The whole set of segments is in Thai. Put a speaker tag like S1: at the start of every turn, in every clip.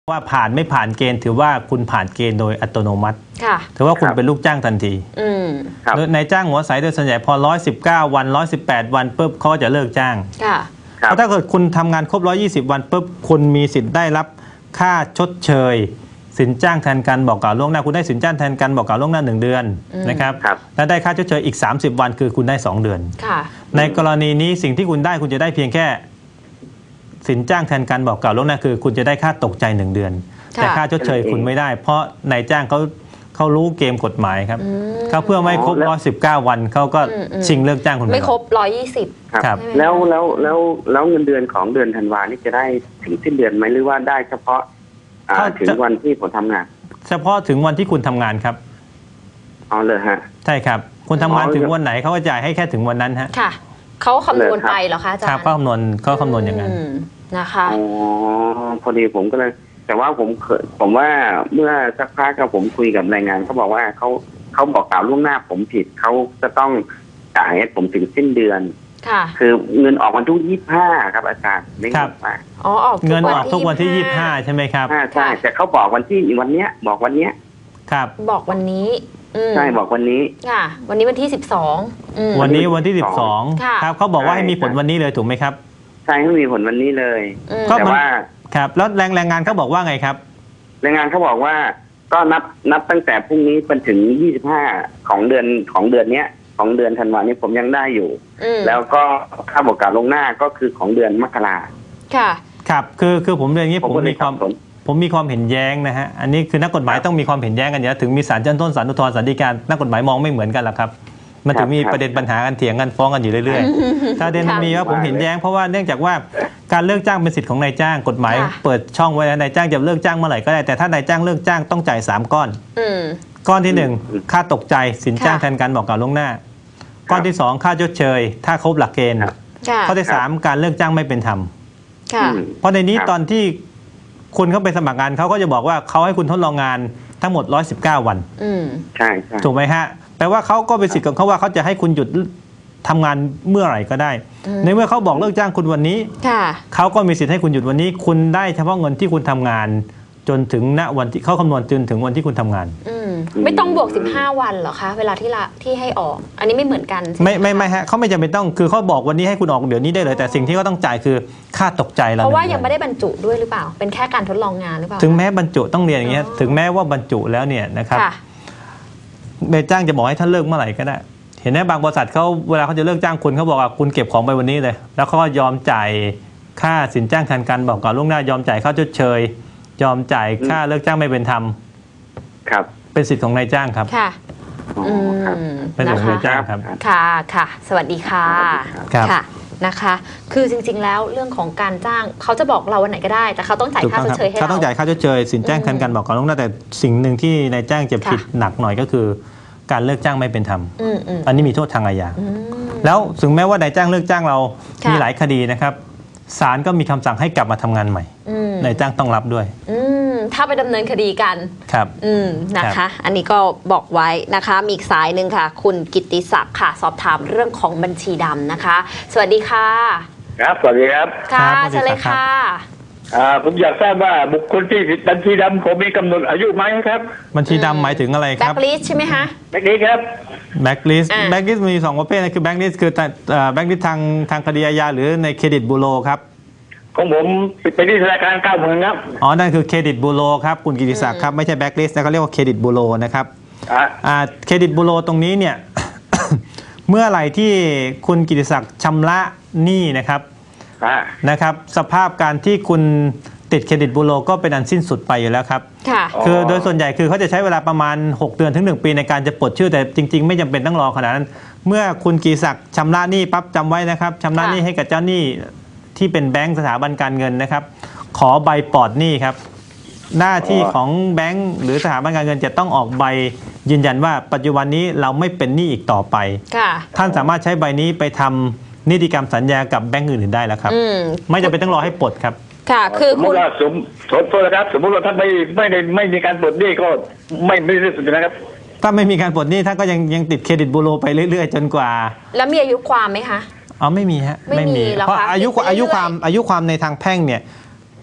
S1: ว่าผ่านไม่ผ่านเกณฑ์ถือว่าคุณผ่านเกณฑ์โดยอัตโนมัติถือว่าคุณเป็นลูกจ้างทันทีโดยนายจ้างหัวใสโดยส่วนใหญ่พอ119 วัน118 วันปุ๊บเขาจะเลิกจ้างเพราะถ้าเกิดคุณทำงานครบ120 วันปุ๊บคุณมีสิทธิ์ได้รับค่าชดเชยสินจ้างแทนการบอกกล่าวล่วงหน้าคุณได้สินจ้างแทนการบอกกล่าวล่วงหน้า1 เดือนนะครับและได้ค่าชดเชยอีก30 วันคือคุณได้2 เดือนในกรณีนี้สิ่งที่คุณได้คุณจะได้เพียงแค่สินจ้างแทนการบอกกล่าวล่วงหน้าคือคุณจะได้ค่าตกใจ1 เดือนแต่ค่าชดเชยคุณไม่ได้เพราะนายจ้างเขารู้เกมกฎหมายครับเขาเพื่อไม่ครบ119 วันเขาก็ชิงเลิกจ้างคุณ
S2: ไม่ครบ120
S3: ครับแล้วเงินเดือนของเดือนธันวานี่จะได้ถึงสิ้นเดือนไหมหรือว่าได้เฉพาะถึงวันที่ผมทำงาน
S1: เฉพาะถึงวันที่คุณทำงานครับ
S3: เอาเลยฮะ
S1: ใช่ครับคุณทำงานถึงวันไหนเขาก็จ่ายให้แค่ถึงวันนั้นฮะ
S2: ค่ะเขาคำนวณไปเหรอคะอาจารย์
S1: ครับเขาคำนวณอย่างนั้น
S2: นะคะ
S3: อ๋อพอดีผมก็เลยแต่ว่าผมว่าเมื่อสักพักผมคุยกับแรงงานเขาบอกว่าเขาบอกกล่าวล่วงหน้าผมผิดเขาจะต้องจ่ายให้ผมถึงสิ้นเดือน
S2: ค่ะ
S3: คือเงินออกวันที่25ครับอาจารย์ไม่
S1: ครับ
S2: อ๋อออก
S1: เงินออกทุกวันที่25ใช่ไหมครับ
S3: ใช่แต่เขาบอกวันเนี้ยบอกวันเนี้ย
S1: ครับ
S2: บอกวันนี้
S3: ใช่บอกวันนี้
S2: ค่ะวันนี้วันที่12
S1: วันนี้วันที่12ครับเขาบอกว่าให้มีผลวันนี้เลยถูกไหมครับ
S3: ใช่ให้มีผลวันนี้เลยแต่ว่า
S1: ครับแล้วแรงงานเขาบอกว่าไงครับ
S3: แรงงานเขาบอกว่าก็นับตั้งแต่พรุ่งนี้เป็นถึง25ของเดือนเนี้ยของเดือนธันวาคมผมยังได้อยู่แล้วก็ค่าบอกกล่าวล่วงหน้าก็คือของเดือนมกรา
S2: ค่ะ
S1: ครับคือผมเรียนอย่างนี้ผมมีความเห็นแย้งนะฮะอันนี้คือนักกฎหมายต้องมีความเห็นแย้งกันเยอะถึงมีศาลชั้นต้นศาลอุทธรณ์ศาลฎีกานักกฎหมายมองไม่เหมือนกันหรอกครับมันถึงมีประเด็นปัญหากันเถียงกันฟ้องกันอยู่เรื่อยๆถ้าเด่นมีว่าผมเห็นแย้งเพราะว่าเนื่องจากว่าการเลิกจ้างเป็นสิทธิ์ของนายจ้างกฎหมายเปิดช่องไว้แล้วนายจ้างจะเลิกจ้างเมื่อไหร่ก็ได้แต่ถ้านายจ้างเลิกจ้างต้องจ่าย3 ก้อนก้อนที่1ค่าตกใจสินจ้างแทนการบอกกล่าวล่วงหน้าก้อนที่2ค่าชดเชยถ้าครบหลักเกณฑ์ข้อที่3การเลิกจ้างไม่เป็นธรรมเพราะในนี้ตอนที่คุณเข้าไปสมัครงานเขาก็จะบอกว่าเขาให้คุณทดลองงานทั้งหมด119 วัน
S3: ใช่
S1: ถูกไหมฮะแปลว่าเขาก็เป็นสิทธิ์ของเขาว่าเขาจะให้คุณหยุดทำงานเมื่อไหร่ก็ได้ในเมื่อเขาบอกเลิกจ้างคุณวันนี้เขาก็มีสิทธิ์ให้คุณหยุดวันนี้คุณได้เฉพาะเงินที่คุณทำงานจนถึงณวันที่เขาคำนวณจนถึงวันที่คุณทำงาน
S2: ไม่ต้องบวก15 วันเหรอคะเวลาที่ให้ออกอันนี้ไม่เหมือนกัน
S1: ไม่ฮะเขาไม่จำเป็นต้องคือเขาบอกวันนี้ให้คุณออกเดี๋ยวนี้ได้เลยแต่สิ่งที่เขาต้องจ่ายคือค่าตกใจเรา
S2: เพราะว่ายังไม่ได้บรรจุด้วยหรือเปล่าเป็นแค่การทดลองงานหรือเปล่า
S1: ถึงแม้บรรจุต้องเรียนอย่างเงี้ยถึงแม้ว่าบรรจุแล้วเนี่ยนะครับนายจ้างจะบอกให้ท่านเลิกเมื่อไหร่ก็ได้เห็นไหมบางบริษัทเขาเวลาเขาจะเลิกจ้างคุณเขาบอกว่าคุณเก็บของไปวันนี้เลยแล้วเขาก็ยอมจ่ายค่าสินจ้างแทนการบอกกล่าวล่วงหน้ายอมจ่ายค่าชดเชยยอมจ่ายค่าเลิกจ้างไม่เป็นธรรม
S3: ครับ
S1: เป็นสิทธิ์ของนายจ้างครับ
S2: ค่ะ
S1: เป็นสิทธิ์ของนายจ้างครับ
S2: ค่ะสวัสดีค่ะค่ะนะคะคือจริงๆแล้วเรื่องของการจ้างเขาจะบอกเราวันไหนก็ได้แต่เขาต้องจ่ายค่าชดเชยให้เรา
S1: เขาต้องจ่ายค่าชดเชยสินจ้างแทนการบอกกล่าวล่วงหน้าแต่สิ่งหนึ่งที่นายจ้างจะผิดหนักหน่อยก็คือการเลิกจ้างไม่เป็นธรรมอันนี้มีโทษทางอาญาแล้วถึงแม้ว่านายจ้างเลิกจ้างเรามีหลายคดีนะครับศาลก็มีคำสั่งให้กลับมาทำงานใหม่นายจ้างต้องรับด้วย
S2: ถ้าไปดำเนินคดีกัน
S1: ครับ
S2: นะคะอันนี้ก็บอกไว้นะคะมีอีกสายหนึ่งค่ะคุณกิตติศักดิ์ค่ะสอบถามเรื่องของบัญชีดำนะคะสวัสดีค่ะ
S4: ครับสวัสดีครับ
S2: ค่ะเชิญเลยค่ะ
S4: ผมอยากทราบว่าบุคคลที่บัญชีดำผมมีกำหนดอายุไหมครับ
S1: บัญชีดำหมายถึงอะไรครับ
S2: แบ็คลิสต์ใช่ไหมคะ
S4: แบ็คลิสต์ครับ
S1: แบ็คลิสต์มี2ประเภทนะคือแบ็คลิสต์คือแบ็คลิสต์ทางคดีอาญาหรือในเครดิตบูโรครับ
S4: ของผมไปที่ธนาคาร90,000ครับ
S1: นั่นคือเครดิตบูโรครับคุณกิติศักดิ์ครับไม่ใช่แบ็คลิสต์นะเขาเรียกว่าเครดิตบูโรนะครับเครดิตบูโรตรงนี้เนี่ย เมื่อไหร่ที่คุณกิติศักดิ์ชำระหนี้นะครับสภาพการที่คุณติดเครดิตบูโรก็เป็นอันสิ้นสุดไปอยู่แล้วครับคือโดยส่วนใหญ่คือเขาจะใช้เวลาประมาณ6 เดือนถึง1 ปีในการจะปลดชื่อแต่จริงๆไม่จำเป็นต้องรอขนาดนั้นเมื่อคุณกิติศักดิ์ชำระหนี้ปั๊บจำไว้นะครับชำระหนี้ให้กับเจ้าหนี้ที่เป็นแบงก์สถาบันการเงินนะครับขอใบปลอดหนี้ครับหน้าที่ของแบงก์หรือสถาบันการเงินจะต้องออกใบยืนยันว่าปัจจุบันนี้เราไม่เป็นหนี้อีกต่อไปท่านสามารถใช้ใบนี้ไปทำนิติกรรมสัญญากับแบงก์อื่นๆได้แล้วครับไม่จำเป็นต้องรอให้ปลดครับ
S2: ค่ะคือ
S4: คุณสมมตินะครับสมมติว่าท่านไม่มีการปลดหนี้ก็ไม่ได้สุดนะครับ
S1: ถ้าไม่มีการปลดหนี้ท่านก็ยังติดเครดิตบูโรไปเรื่อยๆจนกว่า
S2: แล้วมีอายุความไหมคะ
S1: ไม่มีฮะไม่มีเพราะอายุความในทางแพ่งเนี่ย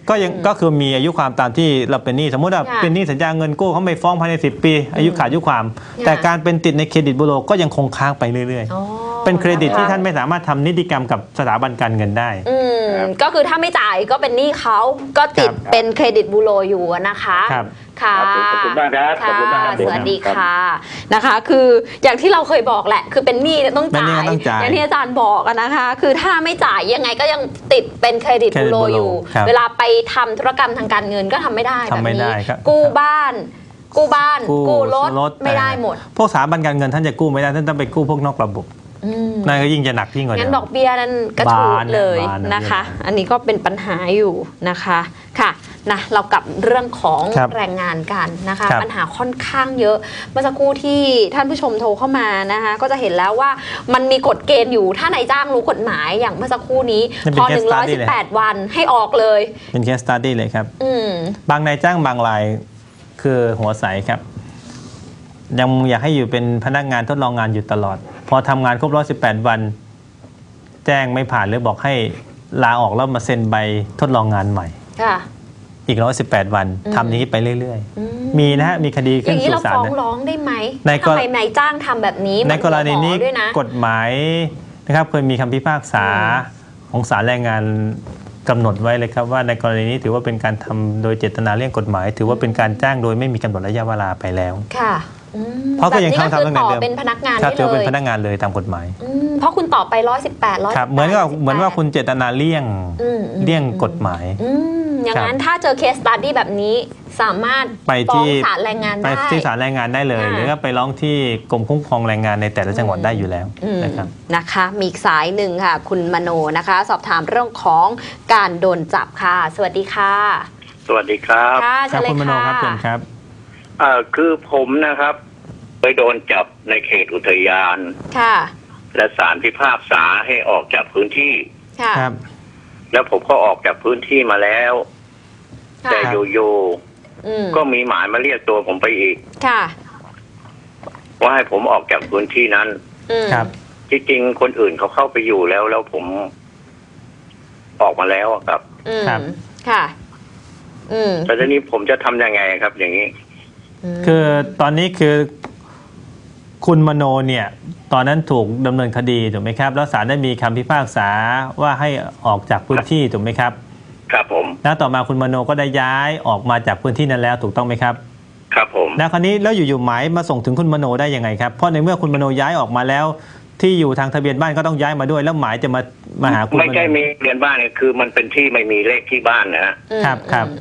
S1: ก็คือมีอายุความตามที่เราเป็นหนี้สมมติว่าเป็นหนี้สัญญาเงินกู้เขาไม่ฟ้องภายใน10 ปีอายุขาดอายุความแต่การเป็นติดในเครดิตบูโรก็ยังคงค้างไปเรื่อยๆเป็นเครดิตที่ท่านไม่สามารถทำนิติกรรมกับสถาบันการเงินได้
S2: ก็คือถ้าไม่จ่ายก็เป็นหนี้เขาก็ติดเป็นเครดิตบูโรอยู่นะคะค่ะ
S4: ขอบคุณมากครับขอบคุณมาก
S2: สวัสดีค่ะนะคะคืออย่างที่เราเคยบอกแหละคือเป็นหนี้ต้องจ่ายอย่างที่อาจารย์บอกนะคะคือถ้าไม่จ่ายยังไงก็ยังติดเป็นเครดิตบูโรอยู่เวลาไปทำธุรกรรมทางการเงินก็ทำไม่ได้แบบนี้กู้บ้านกู้รถไม่ได้หมด
S1: พวกสถาบันการเงินท่านจะกู้ไม่ได้ท่านต้องไปกู้พวกนอกระบบนั่นก็ยิ่งจะหนักยิ่งกว่า
S2: งั้นดอกเบี้ยนั้นกระชูดเลยนะคะอันนี้ก็เป็นปัญหาอยู่นะคะค่ะนะเรากลับเรื่องของแรงงานกันนะคะปัญหาค่อนข้างเยอะเมื่อสักครู่ที่ท่านผู้ชมโทรเข้ามานะคะก็จะเห็นแล้วว่ามันมีกฎเกณฑ์อยู่ถ้านายจ้างรู้กฎหมายอย่างเมื่อสักครู่นี้พอ118 วันให้ออกเลย
S1: เป็นเคสสตั๊ดดี้เลยครับบางนายจ้างบางรายคือหัวใสครับยังอยากให้อยู่เป็นพนักงานทดลองงานอยู่ตลอดพอทำงานครบ118 วันแจ้งไม่ผ่านหรือบอกให้ลาออกแล้วมาเซ็นใบทดลองงานใหม่อีก118 วันทำอย่างนี้ไปเรื่อยๆมีนะฮะมีคดีขึ้นสู่ศาล
S2: อย่างนี้เราฟ้องร้องได้ไหมทำไมนายจ้างทำแบบนี้
S1: ในกรณีนี้กฎหมายนะครับเคยมีคำพิพากษาของศาลแรงงานกำหนดไว้เลยครับว่าในกรณีนี้ถือว่าเป็นการทำโดยเจตนาเลี่ยงกฎหมายถือว่าเป็นการจ้างโดยไม่มีกำหนดระยะเวลาไปแล้ว
S2: ค่ะ
S1: เพราะก็ยังทำตั้งแต่เดิม
S2: เป็นพนักงานได้เลย
S1: ถือเป็นพนักงานเลยตามกฎหมาย
S2: เพราะคุณต่อไป118
S1: ครับเหมือนว่าคุณเจตนาเลี่ยงกฎหมาย
S2: อย่างนั้นถ้าเจอเคสสตั๊ดดี้แบบนี้สามารถ
S1: ไปที่
S2: ศาลแรงงานได้
S1: ไปที่ศาลแรงงานได้เลยหรือว่าไปร้องที่กรมคุ้มครองแรงงานในแต่ละจังหวัดได้อยู่แล้ว
S2: นะคะมีอีกสายหนึ่งค่ะคุณมโนนะคะสอบถามเรื่องของการโดนจับค่ะสวัสดีค่ะ
S4: สวัสดีครับ
S2: ค่ะ
S1: คุณมโนครับเชิญครับ
S4: คือผมนะครับไปโดนจับในเขตอุทยาน
S2: ค่ะ
S4: และศาลพิพากษาให้ออกจากพื้นที่
S2: ค่ะ
S4: แล้วผมก็ออกจากพื้นที่มาแล้วแต่โยก็มีหมายมาเรียกตัวผมไปอีก
S2: ค่ะ
S4: ว่าให้ผมออกจากพื้นที่นั้น
S1: ครับ
S4: จริงๆคนอื่นเขาเข้าไปอยู่แล้วผมออกมาแล้วครับ
S2: ค่ะ
S4: แต่ทีนี้ผมจะทำยังไงครับอย่างนี้
S1: คือตอนนี้คือคุณมโนเนี่ยตอนนั้นถูกดำเนินคดีถูกไหมครับแล้วศาลได้มีคำพิพากษาว่าให้ออกจากพื้นที่ถูกไหมครับ
S4: ครับผม
S1: แล้วต่อมาคุณมโนก็ได้ย้ายออกมาจากพื้นที่นั้นแล้วถูกต้องไหมครับ
S4: ครับผม
S1: แล้วคราวนี้แล้วอยู่ๆหมายมาส่งถึงคุณมโนได้ยังไงครับเพราะในเมื่อคุณมโนย้ายออกมาแล้วที่อยู่ทางทะเบียนบ้านก็ต้องย้ายมาด้วยแล้วหมายจะมาหาคุณ
S4: ไม่ใช่มีทะเบียนบ้านเนี่ยคือมันเป็นที่ไม่มีเลขที่บ้าน
S1: นะครับ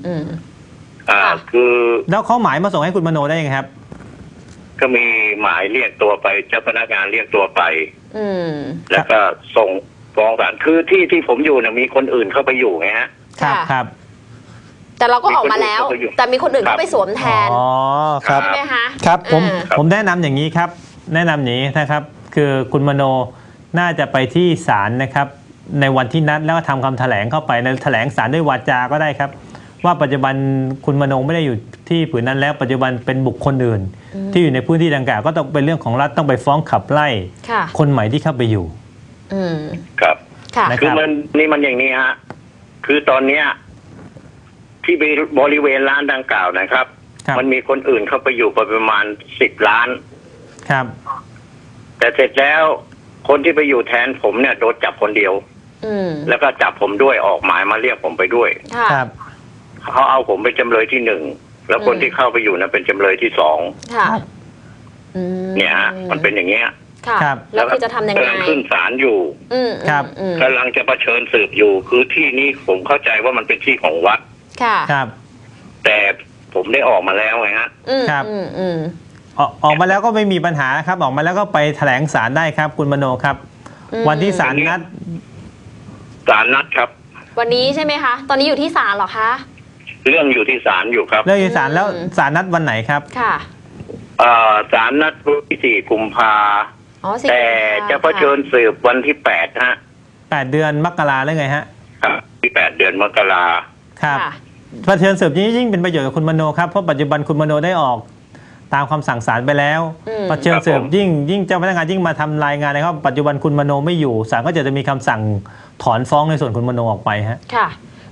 S4: คือ
S1: แล้วเขาหมายมาส่งให้คุณมโนได้ยังไงครับ
S4: ก็มีหมายเรียกตัวไปเจ้าพนักงานเรียกตัวไปแล้วก็ส่งฟ้องศาลคือที่ผมอยู่เนี่ยมีคนอื่นเข้าไปอยู่ไงฮะ
S1: ครับ
S2: แต่เราก็ออกมาแล้วแต่มีคนอื่นเข้าไปสวมแทน
S1: อ๋อครับ
S2: ใช่ไหมคะ
S1: ครับผมแนะนำอย่างนี้ครับแนะนำอย่างนี้นะครับคือคุณมโนน่าจะไปที่ศาลนะครับในวันที่นัดแล้วก็ทำคำแถลงเข้าไปในแถลงศาลด้วยวาจาก็ได้ครับว่าปัจจุบันคุณมโนไม่ได้อยู่ที่ผืนนั้นแล้วปัจจุบันเป็นบุคคลอื่นที่อยู่ในพื้นที่ดังกล่าวก็ต้องเป็นเรื่องของรัฐต้องไปฟ้องขับไล่คนใหม่ที่เข้าไปอยู่
S4: ครับคือมันอย่างนี้ฮะคือตอนเนี้ยที่บริเวณร้านดังกล่าวนะครับมันมีคนอื่นเข้าไปอยู่ประมาณ10 ล้าน
S1: ครับ
S4: แต่เสร็จแล้วคนที่ไปอยู่แทนผมเนี่ยโดนจับคนเดียวแล้วก็จับผมด้วยออกหมายมาเรียกผมไปด้วย
S1: ครับ
S4: เขาเอาผมเป็นจำเลยที่1แล้วคนที่เข้าไปอยู่นั้นเป็นจำเลยที่2เนี่ยฮะมันเป็นอย่างเงี้ย
S2: ครับแล้วคือจะทำยังไง
S4: ขึ้นศาลอยู่
S1: ครับ
S4: กำลังจะเผชิญสืบอยู่คือที่นี้ผมเข้าใจว่ามันเป็นที่ของวัด
S1: ครับ
S4: แต่ผมได้ออกมาแล้วไงฮะ
S1: ครับออกมาแล้วก็ไม่มีปัญหาครับออกมาแล้วก็ไปแถลงศาลได้ครับคุณมโนครับวันที่ศาลนัด
S4: ครับ
S2: วันนี้ใช่ไหมคะตอนนี้อยู่ที่ศาลเหรอคะ
S4: เรื่องอยู่ที่ศาลอยู่ครับ
S1: เรื่องอยู่ศาลแล้วศาลนัดวันไหนครับ
S2: ค่ะ
S4: ศาลนัดวันที่4 กุมภาแต่จะเผชิญสืบวันที่8ฮะ
S1: 8 เดือนมกราแล้วไงฮะ
S4: ครับที่8 เดือนมกรา
S1: ครับเผชิญสืบนี้ยิ่งเป็นประโยชน์กับคุณมโนครับเพราะปัจจุบันคุณมโนได้ออกตามคำสั่งศาลไปแล้วเผชิญสืบยิ่งเจ้าพนักงานยิ่งมาทำรายงานนะครับปัจจุบันคุณมโนไม่อยู่ศาลก็จะมีคำสั่งถอนฟ้องในส่วนคุณมโนออกไปฮะ
S2: ค่ะ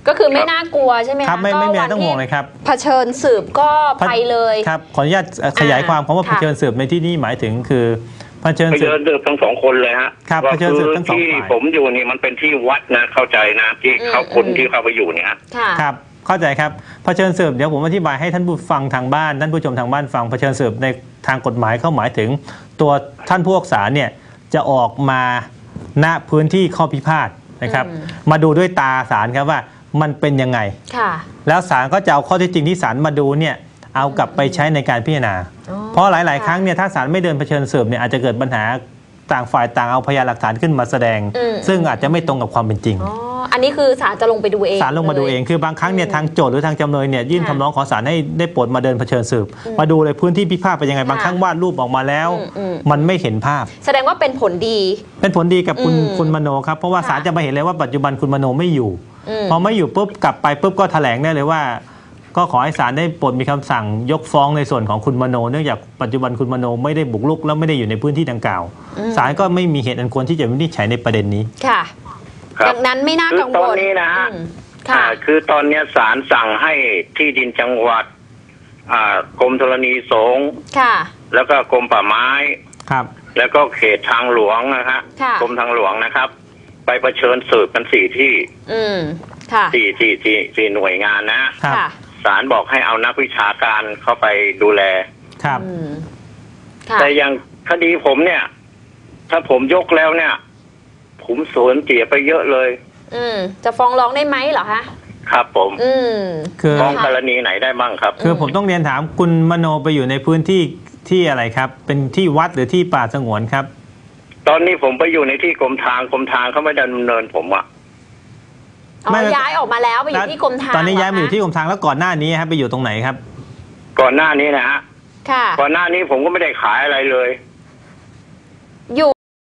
S2: ก็คือไม่น่ากลัวใช่ไหม
S1: ครั
S2: คะ
S1: บไม่มีอะไรต้องห่วงเลยครับ
S2: เผชิญสืบก็ไปเลย
S1: ครับขออนุญาตขยายความคำว่าเผชิญสืบในที่นี้หมายถึงคือเผชิญ
S4: ไป
S1: สื
S4: เดิ
S1: บ
S4: นเดือบทั้งสองคนเลยฮะ
S1: ครับ
S4: ก็
S1: เผชิญ
S4: คื
S1: สืบ
S4: อ
S1: ทั้งสอง
S4: ที่
S1: ฝ่าย
S4: ผมอยู่นี่มันเป็นที่วัดนะเข้าใจนะที่เขาคนที่เข้าไปอยู่เนี่ย
S2: ค่ะ
S1: ครับเข้าใจครับเผชิญสืบเดี๋ยวผมอธิบายให้ท่านผู้ฟังทางบ้านท่านผู้ชมทางบ้านฟังเผชิญสืบในทางกฎหมายเขาหมายถึงตัวท่านผู้พิพากษาเนี่ยจะออกมาณพื้นที่ข้อพิพาทนะครับมาดูด้วยตาศาลครับว่ามันเป็นยังไง
S2: ค่ะ
S1: แล้วศาลก็จะเอาข้อเท็จจริงที่ศาลมาดูเนี่ยเอากลับไปใช้ในการพิจารณา
S2: อ๋อ
S1: เพราะหลาย ๆ ครั้งเนี่ยถ้าศาลไม่เดินเผชิญสืบเนี่ยอาจจะเกิดปัญหาต่างฝ่ายต่างเอาพยานหลักฐานขึ้นมาแสดง ซึ่งอาจจะไม่ตรงกับความเป็นจริง
S2: อ๋ออันนี้คือศาลจะลงไปดูเอง
S1: ศาลลงมาดูเองคือบางครั้งเนี่ยทางโจทย์หรือทางจำเลยเนี่ยยื่น
S2: ค่ะ
S1: คำร้องขอศาลให้ได้โปรดมาเดินเผชิญสืบมาดูเลยพื้นที่พิพาทเป็นยังไงบางครั้งวาดรูปออกมาแล้ว มันไม่เห็นภาพ
S2: แสดงว่าเป็นผลดี
S1: เป็นผลดีกับคุณมโนครับเพราะว่าศาลจะมาเห็นเลยว่าปัจจุบันคุณมโนไม่อยู่ พอไม่อยู่ปุ๊บกลับไปปุ๊บก็แถลงได้เลยว่า ก็ขอให้ศาลได้โปรดมีคำสั่งยกฟ้องในส่วนของคุณมโนเนื่องจากปัจจุบันคุณมโนไม่ได้บุกรุกและไม่ได้อยู่ในพื้นที่ดังกล่าวศาลก็ไม่มีเหตุอันควรที่จะวินิจฉัยในประเด็นนี้
S2: ค่ะ
S4: ครับ
S2: ดังนั้นไม่น่า
S4: คือ
S2: กัง
S4: ต
S2: ว
S4: อน
S2: ล
S4: นี้นะฮะ
S2: ค่ะ
S4: คือตอนเนี้ยศาลสั่งให้ที่ดินจังหวัดกรมธรณีสงฆ์
S2: ค่ะ
S4: แล้วก็กรมป่าไม้
S1: ครับ
S4: แล้วก็เขตทางหลวงนะฮะ
S2: ค่ะ
S4: กรมทางหลวงนะครับ ไปเผชิญสืบกัน4 ที่
S2: ค่ะ
S4: สี่หน่วยงานนะฮะ
S1: ครับ
S2: ค่ะ
S4: ศาลบอกให้เอานักวิชาการเข้าไปดูแล
S1: ครับ
S2: ค่ะ
S4: แต่อย่างคดีผมเนี่ย ถ้าผมยกแล้วเนี่ย ผมสูญเสียไปเยอะเลย
S2: จะฟ้องร้องได้ไหมเหรอคะ
S4: ครับผม
S1: คือ
S4: ฟ้องกรณีไหนได้บ้างครับ
S1: คือผมต้องเรียนถามคุณมโนไปอยู่ในพื้นที่ที่อะไรครับ เป็นที่วัดหรือที่ป่าสงวนครับ
S4: ตอนนี้ผมไปอยู่ในที่กรมทางเขาไม่ดำเนินผมอะ
S2: อ๋อ
S1: ไม่
S2: ย้ายออกมาแล้วไปอยู่ที่กรมทาง
S1: ตอนนี้ย้ายมาอยู่ที่
S2: เห
S1: กรมทางแล้วก่อนหน้านี้ครับไปอยู่ตรงไหนครับ
S4: ก่อนหน้านี้นะฮะ
S2: ค่ะ
S4: ก่อนหน้านี้ผมก็ไม่ได้ขายอะไรเลย
S2: อยู่